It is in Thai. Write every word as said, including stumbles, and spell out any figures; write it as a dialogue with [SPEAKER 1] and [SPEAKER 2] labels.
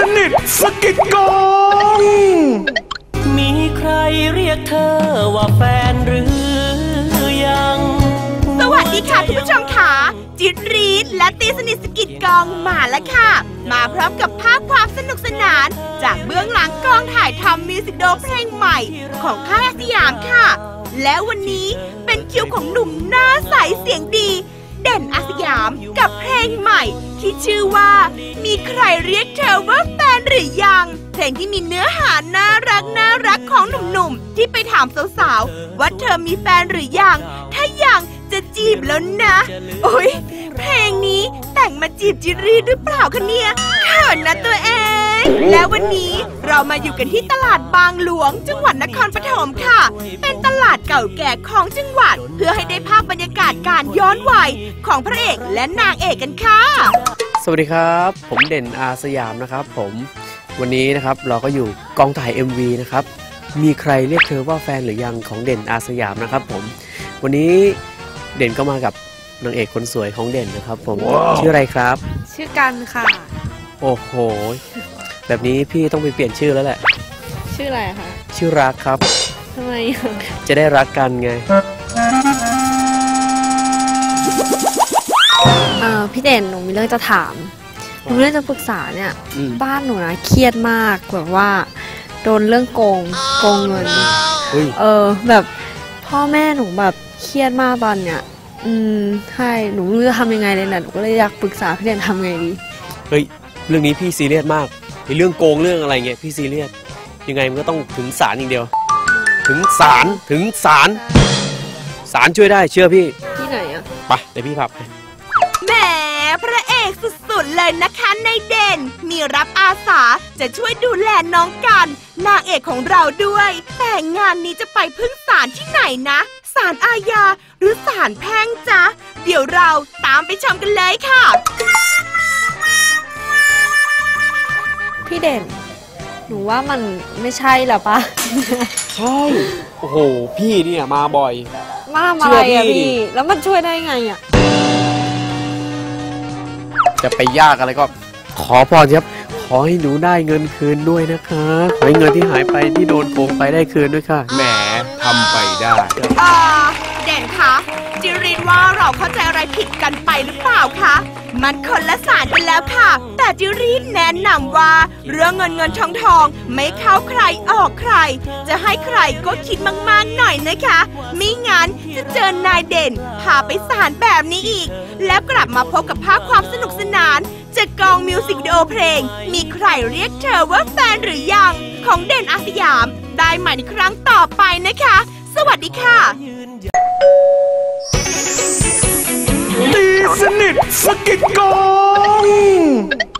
[SPEAKER 1] นิทสกิดกอง
[SPEAKER 2] มีใครเรียกเธอว่าแฟนหรือยัง
[SPEAKER 3] สวัสดีค่ะคุณผู้ชมค่ะจิตรีดและตีสนิทสกิดกองมาแล้วค่ะมาพร้อมกับภาพความสนุกสนานจากเบื้องหลังกองถ่ายทำมิวสิกวิดีโอเพลงใหม่ของค่ายสยามค่ะและวันนี้เป็นคิวของหนุ่มหน้าใสเสียงดีเด่นอาสยามกับเพลงใหม่ที่ชื่อว่ามีใครเรียกเธอว่าแฟนหรือยังเพลงที่มีเนื้อหาน่ารักน่ารักของหนุ่มๆที่ไปถามสาวๆว่าเธอมีแฟนหรือยังถ้ายังจะจีบแล้วนะโอ๊ยเพลงนี้แต่งมาจีบจิรีหรือเปล่าคะเนี่ยเขินนะตัวเองแล้ววันนี้เรามาอยู่กันที่ตลาดบางหลวงจังหวัดนครปฐมค่ะเป็นตลาดเก่าแก่ของจังหวัดเพื่อให้ได้ภาพบรรยากาศการย้อนวัยของพระเอกและนางเอกกันค่ะ
[SPEAKER 4] สวัสดีครับผมเด่นอาสยามนะครับผมวันนี้นะครับเราก็อยู่กองถ่าย เอ็ม วี นะครับมีใครเรียกเธอว่าแฟนหรือยังของเด่นอาสยามนะครับผมวันนี้เด่นก็มากับนางเอกคนสวยของเด่นนะครับผม wow. ชื่ออะไรครับ
[SPEAKER 5] ชื่อกันค่ะ
[SPEAKER 4] โอ้โหแบบนี้พี่ต้องไปเปลี่ยนชื่อแล้วแหละ
[SPEAKER 5] ชื่ออะไรคะ
[SPEAKER 4] ชื่อรักครับ
[SPEAKER 5] ทำไม
[SPEAKER 4] จะได้รักกันไง
[SPEAKER 5] เออพี่เด่นหนูมีเรื่องจะถามหนูเรื่องจะปรึกษาเนี่ยบ้านหนูนะเครียดมากแบบว่าโดนเรื่องโกงโกงเงินเออแบบพ่อแม่หนูแบบเครียดมากตอนเนี้ยอืมใช่หนูไม่รู้จะทำยังไงเลยนะหนูก็เลยอยากปรึกษาพี่เด่นทำไงดี
[SPEAKER 4] เฮ้ยเรื่องนี้พี่ซีเรียสมากในเรื่องโกงเรื่องอะไรเงี้ยพี่ซีเรียสยังไงมันก็ต้องถึงศาลอย่างเดียวถึงศาลถึงศาลศาลช่วยได้เชื่อพี่
[SPEAKER 5] ที่ไหนอะ
[SPEAKER 4] ไปเดี๋ยวพี่พาไป
[SPEAKER 3] แหมพระเอกสุดๆเลยนะคะในเด่นมีรับอาสาจะช่วยดูแลน้องกันนางเอกของเราด้วยแต่งานนี้จะไปพึ่งศาลที่ไหนนะศาลอาญาหรือศาลแพ่งจ๊ะเดี๋ยวเราตามไปชมกันเลยค่ะ
[SPEAKER 5] พี่เด่นหนูว่ามันไม่ใช่หรอปะ
[SPEAKER 4] ใช่โอ้โหพี่เนี่ยมาบ่อย
[SPEAKER 5] มาทำอะไรอะพี่แล้วมันช่วยได้ไงอะ
[SPEAKER 4] จะไปยากอะไรก็ขอพรครับขอให้หนูได้เงินคืนด้วยนะคะขอให้เงินที่หายไปที่โดนโกงไปได้คืนด้วยค่ะ
[SPEAKER 1] แหมทำไปได้
[SPEAKER 3] อ่าเด่นคะจิรินว่าเราเข้าใจอะไรผิดกันไปหรือเปล่าคะมันคนละศาลกันแล้วค่ะแต่จิรินแนะนำว่าเรื่องเงินเงินทองทองไม่เข้าใครออกใครจะให้ใครก็คิดมากๆหน่อยนะคะไม่งั้นจะเจอนายเด่นพาไปศาลแบบนี้อีกแล้วกลับมาพบกับภาพความสนุกสนานจากกองมิวสิกวิดีโอเพลงมีใครเรียกเธอว่าแฟนหรือยังของเด่นอาสยามได้ใหม่ในครั้งต่อไปนะคะสวัสดีค่ะ
[SPEAKER 1] ตีสนิทสกิดกอง